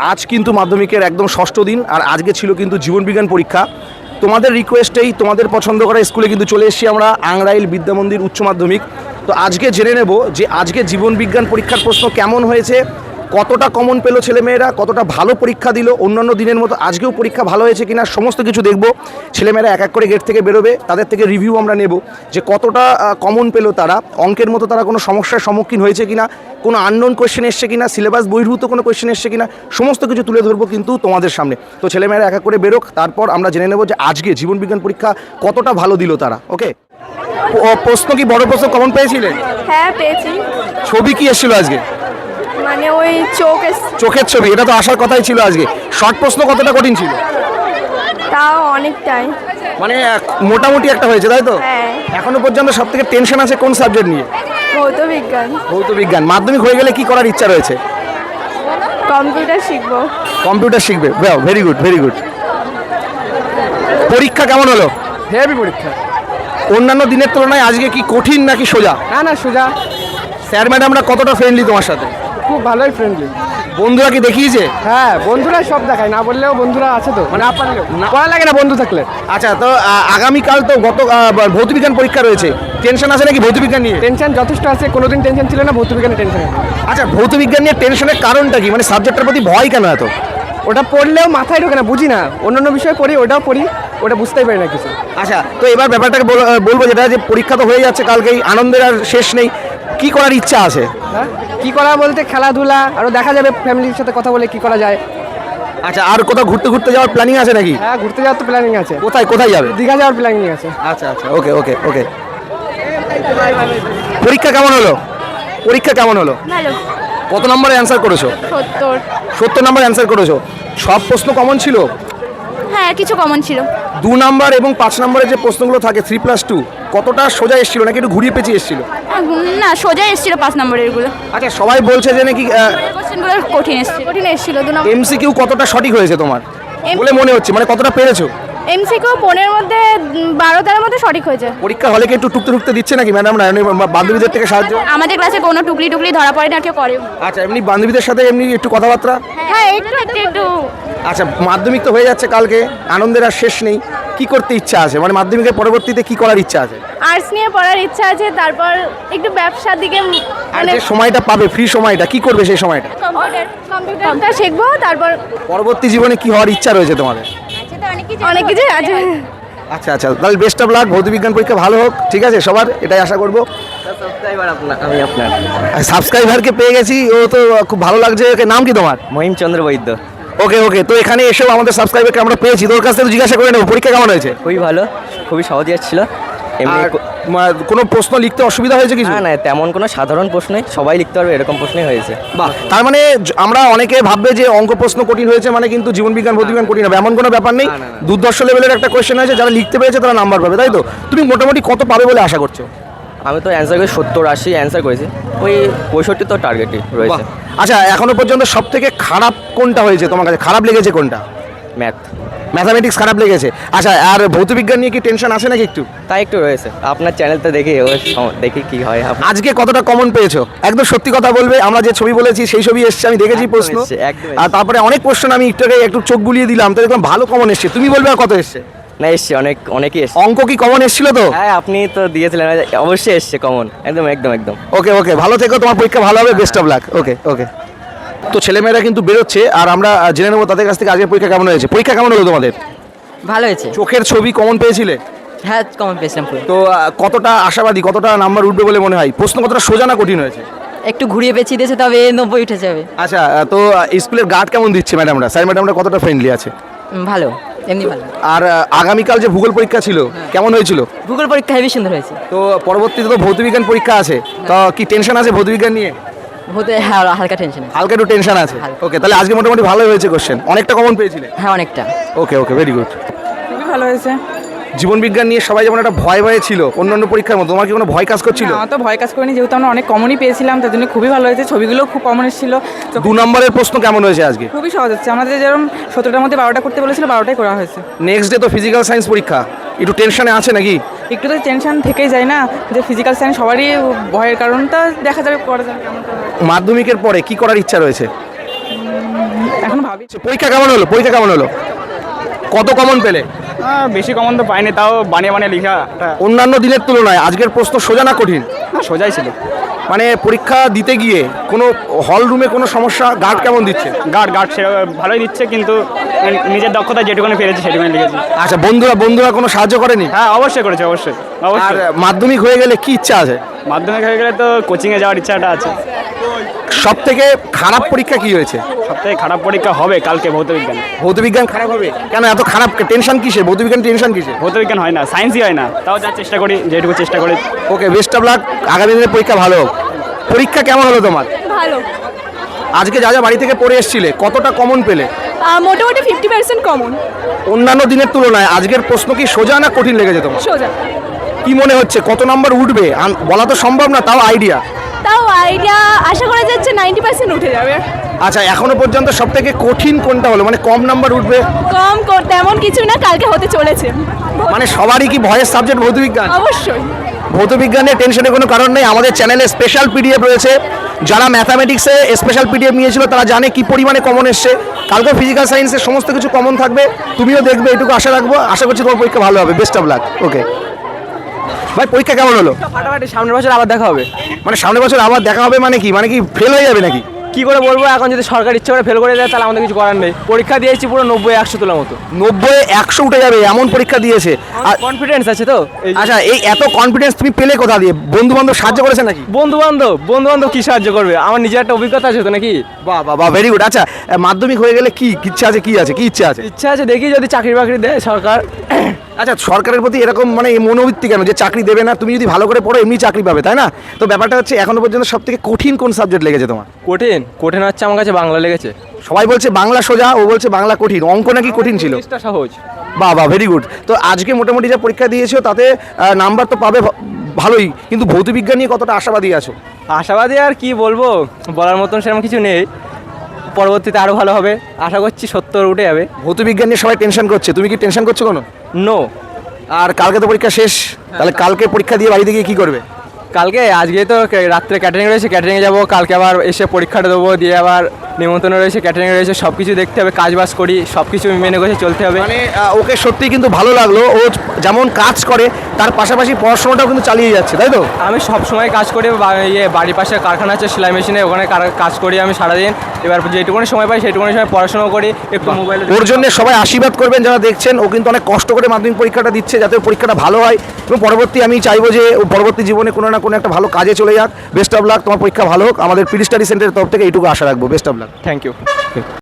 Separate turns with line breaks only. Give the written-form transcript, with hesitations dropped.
আজ কিন্তু মাধ্যমিকের একদম ষষ্ঠ দিন, আর আজকে ছিল কিন্তু জীবনবিজ্ঞান পরীক্ষা। তোমাদের রিকোয়েস্টেই তোমাদের পছন্দ করা স্কুলে কিন্তু চলে এসেছি আমরা, আংরাইল বিদ্যামন্দির উচ্চ মাধ্যমিক। তো আজকে জেনে নেব যে আজকে জীবনবিজ্ঞান পরীক্ষার প্রশ্ন কেমন হয়েছে, কতটা কমন পেলো ছেলেমেয়েরা, কতটা ভালো পরীক্ষা দিল, অন্যান্য দিনের মতো আজকেও পরীক্ষা ভালো হয়েছে কিনা সমস্ত কিছু দেখব। ছেলেমেয়েরা এক এক করে গেট থেকে বেরোবে, তাদের থেকে রিভিউ আমরা নেব যে কতটা কমন পেলো তারা, অঙ্কের মতো তারা কোনো সমস্যার সম্মুখীন হয়েছে কিনা, কোনো আননোন কোয়েশ্চেন এসছে কিনা, সিলেবাস বহির্ভূত কোনো কোয়েশ্চেন এসছে কিনা, সমস্ত কিছু তুলে ধরবো কিন্তু তোমাদের সামনে। তো ছেলেমেয়েরা এক এক করে বেরোক, তারপর আমরা জেনে নেব যে আজকে জীবনবিজ্ঞান পরীক্ষা কতটা ভালো দিল তারা। ওকে, প্রশ্ন কি বড় প্রশ্ন কমন পেয়েছিলেন?
হ্যাঁ পেয়েছি।
ছবি কি এসেছিল আজকে?
মানে ওই
চোখের ছবি, এটা তো আসার কথাই ছিল আজকে। শর্ট প্রশ্ন কতটা কঠিন ছিল?
তাও অনেকটাই,
মানে মোটামুটি একটা হয়েছে, তাই তো?
হ্যাঁ।
এখনো পর্যন্ত সব থেকে টেনশন আছে কোন সাবজেক্ট নিয়ে?
ভৌতবিজ্ঞান।
ভৌতবিজ্ঞান। মাধ্যমিক হয়ে গেলে কি করার ইচ্ছা রয়েছে?
কম্পিউটার শিখবো।
কম্পিউটার শিখবে, ভেরি গুড ভেরি গুড। পরীক্ষা কেমন হলো?
হেভি পরীক্ষা।
অন্যান্য দিনের তুলনায় আজকে কি কঠিন নাকি সোজা?
না সোজা।
স্যার ম্যাডামরা কতটা ফ্রেন্ডলি তোমার সাথে?
খুব ভালোই ফ্রেন্ডলি।
বন্ধুরা কি দেখিয়েছে?
হ্যাঁ, বন্ধুরা সব দেখায়, না বললেও বন্ধুরা আছে তো, মানে আপনার পড়া লাগে না বন্ধু থাকলে।
আচ্ছা, তো আগামীকাল তো ভৌতবিজ্ঞান পরীক্ষা রয়েছে, টেনশন আছে নাকি ভৌতবিজ্ঞান নিয়ে?
টেনশন যথেষ্ট আছে, কোনোদিন টেনশন ছিল না, ভৌতবিজ্ঞানের টেনশন।
আচ্ছা, ভৌতবিজ্ঞান নিয়ে টেনশনের কারণটা কি, মানে সাবজেক্টের প্রতি ভয় কেন এত?
ওটা পড়লেও মাথায় ঢোকে না, বুঝি না। অন্যান্য বিষয় পড়ি, ওটাও পড়ি, ওটা বুঝতেই পারি না কিছু।
আচ্ছা, তো এবার ব্যাপারটাকে বলবো যেটা, যে পরীক্ষা তো হয়ে যাচ্ছে কালকেই, আনন্দের আর শেষ নেই, কি করার ইচ্ছা আছে?
হ্যাঁ, কী করা বলতে খেলাধুলা, আরও দেখা যাবে ফ্যামিলির সাথে কথা বলে কি করা যায়।
আচ্ছা, আর কোথাও ঘুরতে যাওয়ার প্ল্যানিং আছে নাকি?
হ্যাঁ, ঘুরতে যাওয়ার তো প্ল্যানিং আছে।
কোথায় যাবে?
দীঘা যাওয়ার প্ল্যানিং আছে।
আচ্ছা, ওকে। পরীক্ষা কেমন হলো?
ভালো।
কত নম্বরে অ্যান্সার করেছো? 70 নম্বর অ্যান্সার করেছো। সব প্রশ্ন কমন ছিল?
হ্যাঁ, কিছু কমন ছিল।
2 নাম্বার এবং 5 নম্বরের যে প্রশ্নগুলো থাকে 3+2, কতটা সোজা এসেছিল নাকি একটু ঘুরিয়ে পেঁচিয়ে এসেছিল?
না, সোজা এসেছিল 5 নম্বরের গুলো।
আচ্ছা, সবাই বলছে যে নাকি
কোশ্চেনগুলো কঠিন এসেছিল। 2 নম্বর
এমসিকিউ কতটা সঠিক হয়েছে তোমার বলে মনে হচ্ছে, মানে কতটা পেরেছো?
এমসিকিউ 15 এর মধ্যে 12-13 মধ্যে সঠিক হয়েছে।
পরীক্ষা হলে কি একটু টুকতে দিচ্ছে নাকি ম্যাডামরা, বান্ধবীদের থেকে সাহায্য?
আমাদের ক্লাসে কোনো টুকলি ধরা পড়ে না, কেউ করে।
আচ্ছা, এমনি বান্ধবীদের সাথে এমনি একটু কথাবার্তা?
হ্যাঁ, একটু।
আচ্ছা, মাধ্যমিক তো হয়ে যাচ্ছে কালকে, আনন্দের আর শেষ নেই, কি করতে ইচ্ছা আছে, মানে মাধ্যমিকের পরবর্তীতে কি করার ইচ্ছা আছে?
আর্টস নিয়ে পড়ার ইচ্ছা আছে, তারপর একটু ব্যবসার দিকে,
আর যে সময়টা পাবে, ফ্রি সময়টা, কি করবে সেই সময়টা?
কম্পিউটারটা শিখবো। তারপর
পরবর্তী জীবনে কি হওয়ার ইচ্ছা রয়েছে তোমাদের?
অনেক কিছু আছে।
আচ্ছা, তাহলে বেস্ট অফ লাক, ভৌতবিজ্ঞান পরীক্ষা ভালো হোক, ঠিক আছে সবার, এটাই আশা করবো।
আমি আপনার
সাবস্ক্রাইবারকে পেয়ে গেছি, ও তো খুব ভালো লাগছে। নাম কি তোমার?
মহিম চন্দ্র বৈদ্য।
ওকে, তো এখানে এসেও আমাদের সাবস্ক্রাইবারকে আমরা পেয়েছি, তোর কাছ থেকে জিজ্ঞাসা করে নেবো পরীক্ষা কেমন হয়েছে।
খুবই ভালো, খুবই সহজ ছিল। এমনি
আর কোনো প্রশ্ন লিখতে অসুবিধা হয়েছে কিছু?
না, তেমন কোনো সাধারণ প্রশ্নই, সবাই লিখতে পারবে এরকম প্রশ্নই হয়েছে।
বাহ, তার মানে আমরা অনেকে ভাববে যে অঙ্ক প্রশ্ন কঠিন হয়েছে মানে কিন্তু জীবনবিজ্ঞান ভৌতবিজ্ঞান কঠিন হবে, এমন কোনো ব্যাপার নেই। দুর্ধর্ষ লেভেলের একটা কোয়েশ্চেন হয়েছে, যারা লিখতে পেরেছে তারা নাম্বার পাবে, তাই তো? তুমি মোটামুটি কত পাবে বলে আশা করছো?
আমি তো অ্যান্সার করেছি 70-80 অ্যান্সার করেছি, ওই 65 তো টার্গেটই রয়েছে।
আচ্ছা, এখনো পর্যন্ত সব থেকে খারাপ কোনটা হয়েছে তোমার কাছে, খারাপ লেগেছে কোনটা? ম্যাথামেটিক্স খারাপ লেগেছে। আচ্ছা, আর ভৌতবিজ্ঞান নিয়ে কি টেনশন আছে নাকি একটু?
তাই একটু রয়েছে। আপনার চ্যানেলটা দেখি কি হয়।
আজকে কতটা কমন পেয়েছো? একদম সত্যি কথা বলবে, আমরা যে ছবি বলেছি সেই ছবি এসছে, আমি দেখেছি প্রশ্ন, আর তারপরে অনেক প্রশ্ন আমি একটু চোখ বুলিয়ে দিলাম, তো দেখলাম ভালো কমন এসছে। তুমি বলবে আর কত এসছে?
না, এসছে অনেকই এসছে।
অঙ্ক কি কমন এসেছিল তো?
হ্যাঁ, আপনি তো দিয়েছিলেন, অবশ্যই এসছে কমন, একদম।
ওকে, ভালো থেকো, তোমার পরীক্ষা ভালো হবে, বেস্ট অফ লাক। ওকে। তো ছেলেমেয়েরা কিন্তু বেরোচ্ছে, আর আমরা জেনে নেবো তাদের কাছ থেকে আজকে পরীক্ষা কেমন হয়েছে। পরীক্ষা কেমন হলো তোমাদের?
ভালো হয়েছে।
চোখের ছবি কমন পেয়েছিলে?
হ্যাঁ, কমন পেয়েছিলাম।
তো কতটা আশাবাদী, কতটা নাম্বার উঠবে বলে মনে হয়? প্রশ্ন কতটা সোজা না কঠিন হয়েছে?
একটু ঘুরিয়ে পেঁচিয়ে দিয়েছে, তবে 90 উঠে যাবে।
আচ্ছা, তো স্কুলের গার্ড কেমন দিচ্ছে ম্যাডামরা, স্যার ম্যাডামরা কতটা ফ্রেন্ডলি আছে?
ভালো, এমনি ভালো।
আর আগামীকাল যে ভূগোল পরীক্ষা ছিল কেমন হয়েছিল?
ভূগোল পরীক্ষা হেবি সুন্দর হয়েছে।
তো পরবর্তীতে তো ভৌতবিজ্ঞান পরীক্ষা আছে, তো কি টেনশন আছে ভৌতবিজ্ঞান নিয়ে?
হ্যাঁ, হালকা টেনশন।
হালকা একটু টেনশন আছে। ওকে, তাহলে আজকে মোটামুটি ভালোই হয়েছে কোশ্চেন, অনেকটা কমন পেয়েছিলে?
হ্যাঁ, অনেকটা।
Okay, very good.
খুবই ভালো হয়েছে।
জীবনবিজ্ঞান নিয়ে সবাই যেমন একটা ভয় ছিল অন্যান্য পরীক্ষার মতো, তোমার কি কোনো ভয় কাজ করছিল?
আমার তো ভয় কাজ করিনি, যেহেতু আমরা অনেক কমনই পেয়েছিলাম, তার জন্য খুবই ভালো হয়েছে। ছবিগুলো খুব কমন এসেছিল।
2 নম্বরের প্রশ্ন কেমন হয়েছে আজকে?
খুবই সহজ হচ্ছে, আমাদের যেরকম 17টার মধ্যে 12টা করতে বলেছিল, 12টাই করা হয়েছে।
নেক্সট ডে তো ফিজিক্যাল সায়েন্স পরীক্ষা, একটু টেনশনে আছে নাকি?
একটু তো টেনশন থেকেই যায় না, যে ফিজিক্যাল সায়েন্স সবারই ভয়ের কারণটা, দেখা যাবে করা যাবে কেমন।
মাধ্যমিকের পরে কি করার ইচ্ছা রয়েছে?
এখন ভাবি।
পরীক্ষা কেমন হলো? পরীক্ষা কেমন হলো? কত কমন পেলে?
বেশি কমন তো পাইনি, তাও বানিয়ে বানিয়ে লিখা
অন্যান্য দিনের তুলনায় আজকের প্রশ্ন সোজা না কঠিন?
সোজাই ছিল।
মানে পরীক্ষা দিতে গিয়ে কোনো হল রুমে কোনো সমস্যা? গার্ড কেমন দিচ্ছে?
গার্ড সে ভালোই দিচ্ছে, কিন্তু নিজের দক্ষতা যেটুকুনি পেরেছে সেটুকুনি লিখেছি।
আচ্ছা, বন্ধুরা কোনো সাহায্য করেনি?
হ্যাঁ, অবশ্যই করেছে, অবশ্যই
আর
অবশ্যই।
মাধ্যমিক হয়ে গেলে কি ইচ্ছা আছে?
মাধ্যমিক হয়ে গেলে তো কোচিংয়ে যাওয়ার ইচ্ছাটা আছে।
সব থেকে খারাপ পরীক্ষা কি হয়েছে?
সবথেকে খারাপ পরীক্ষা হবে কালকে ভৌতবিজ্ঞান।
ভৌতবিজ্ঞান খারাপ হবে কেন? এত খারাপ টেনশন কিসে? ভৌতবিজ্ঞান টেনশন কিসে?
ভৌতবিজ্ঞান হয় না, সায়েন্সই হয় না, তাও যা চেষ্টা করি, যেটুকু চেষ্টা করি।
ওকে, বেস্ট অফ লাক, আগামী দিনের পরীক্ষা ভালো হোক। পরীক্ষা কেমন হলো তোমার?
ভালো,
আজকে যা বাড়ি থেকে পড়ে এসেছিলে কতটা কমন পেলে?
মোটামুটি 50% কমন।
অন্যান্য দিনের তুলনায় আজকের প্রশ্ন কি সোজা না কঠিন লেগেছে তোমার?
সোজা।
কি মনে হচ্ছে কত নাম্বার উঠবে? বলা তো সম্ভব না, তাও আইডিয়া।
তাও আইডিয়া আশা করা যাচ্ছে 90% উঠে যাবে।
আচ্ছা, এখনো পর্যন্ত সব থেকে কঠিন কোনটা হলো? মানে কম নাম্বার উঠবে?
কম করতে এমন কিছু না, কালকে হতে চলেছে।
মানে সবারই কি ভয়ের সাবজেক্ট ভৌতবিজ্ঞান?
অবশ্যই।
ভৌতবিজ্ঞানের টেনশনের কোনো কারণ নেই। আমাদের চ্যানেলে স্পেশাল পিডিএফ রয়েছে। যারা ম্যাথামেটিক্সে স্পেশাল পিডিএফ নিয়েছিল তারা জানে কি পরিমাণে কমন এসছে। কালকে ফিজিক্যাল সায়েন্সের সমস্ত কিছু কমন থাকবে, তুমিও দেখবে, এটুকু আশা রাখবো। আশা করছি তোমার পরীক্ষা ভালো হবে। Best of lakh. ওকে ভাই, পরীক্ষা কেমন হলো?
ফাটাফাটি, সামনের বছর আবার দেখা হবে।
মানে সামনের বছর আবার দেখা হবে মানে কি? মানে কি ফেল হয়ে যাবে নাকি?
কি করে বলবো, এখন যদি সরকার ইচ্ছে করে ফেল করে দেয় তাহলে আমাদের কিছু করার নেই। পরীক্ষা দিয়েছি পুরো 90-100 তোলার মতো।
90-100 উঠে যাবে এমন পরীক্ষা দিয়েছে। আর
কনফিডেন্স আছে তো।
আচ্ছা, এই এত কনফিডেন্স তুমি পেলে কোথা দিয়ে? বন্ধু বান্ধব সাহায্য করেছে নাকি?
বন্ধু বান্ধব কি সাহায্য করবে? আমার নিজের একটা অভিজ্ঞতা আছে তো নাকি।
বাহ বাহ বাহ, ভেরি গুড। আচ্ছা, মাধ্যমিক হয়ে গেলে কি ইচ্ছা আছে? কি ইচ্ছা আছে?
ইচ্ছা আছে, দেখি যদি চাকরি বাকরি দেয় সরকার।
আচ্ছা, সরকারের প্রতি এরকম মানে এই মনোবৃত্তি কেন যে চাকরি দেবে না? তুমি যদি ভালো করে পড়ো এমনি চাকরি পাবে, তাই না? তো ব্যাপারটা হচ্ছে এখনো পর্যন্ত সব থেকে কঠিন কোন সাবজেক্ট লেগেছে তোমার?
কঠিন হচ্ছে আমার কাছে বাংলা লেগেছে।
সবাই বলছে বাংলা সোজা, ও বলছে বাংলা কঠিন। অঙ্ক নাকি কঠিন ছিল?
চেষ্টা সহজ।
বাহ বাহ, ভেরি গুড। তো আজকে মোটামুটি যা পরীক্ষা দিয়েছো তাতে নাম্বার তো পাবে ভালোই, কিন্তু ভৌতবিজ্ঞান নিয়ে কতটা আশাবাদী আছো?
আশাবাদী আর কি বলবো, বলার মতন সেরকম কিছু নেই। পরবর্তীতে আরও ভালো হবে, আশা করছি 70 উঠে যাবে।
ভৌতবিজ্ঞান নিয়ে সবাই টেনশন করছে, তুমি কি টেনশন করছো কোনো?
নো।
আর কালকে তো পরীক্ষা শেষ, তাহলে কালকে পরীক্ষা দিয়ে বাড়িতে গিয়ে কী করবে?
কালকে আজকে তো রাত্রে ক্যাটারিং রয়েছে, ক্যাটারিংয়ে যাবো। কালকে আবার এসে পরীক্ষাটা দেবো, দিয়ে আবার নিমন্ত্রণ রয়েছে, ক্যাটারিং রয়েছে, সব কিছু দেখতে হবে, কাজ বাজ করি, সব কিছু মেনে করে চলতে হবে।
মানে ওকে সত্যি কিন্তু ভালো লাগলো, ও যেমন কাজ করে তার পাশাপাশি পড়াশোনাটাও কিন্তু চালিয়ে যাচ্ছে, তাই তো?
আমি সব সময় কাজ করি, বাড়ির পাশে কারখানা আছে সেলাই মেশিনে, ওখানে কাজ করি আমি সারাদিন। এবার যেটুকুনি সময় পাই সেইটুকুনি সময় পড়াশোনা করি, একটু মোবাইলে।
ওর জন্য সবাই আশীর্বাদ করবেন যারা দেখছেন। ও কিন্তু অনেক কষ্ট করে মাধ্যমিক পরীক্ষাটা দিচ্ছে, যাতে ওর পরীক্ষাটা ভালো হয় এবং পরবর্তী আমি চাইবো যে ও পরবর্তী জীবনে কোনো না কোনো একটা ভালো কাজে চলে যাক। বেস্ট অফ লাক, তোমার পরীক্ষা ভালো হোক। আমাদের পিডি স্টাডি সেন্টারের তরফ থেকে এইটুকু আশা রাখবো। Best of luck.
Thank you.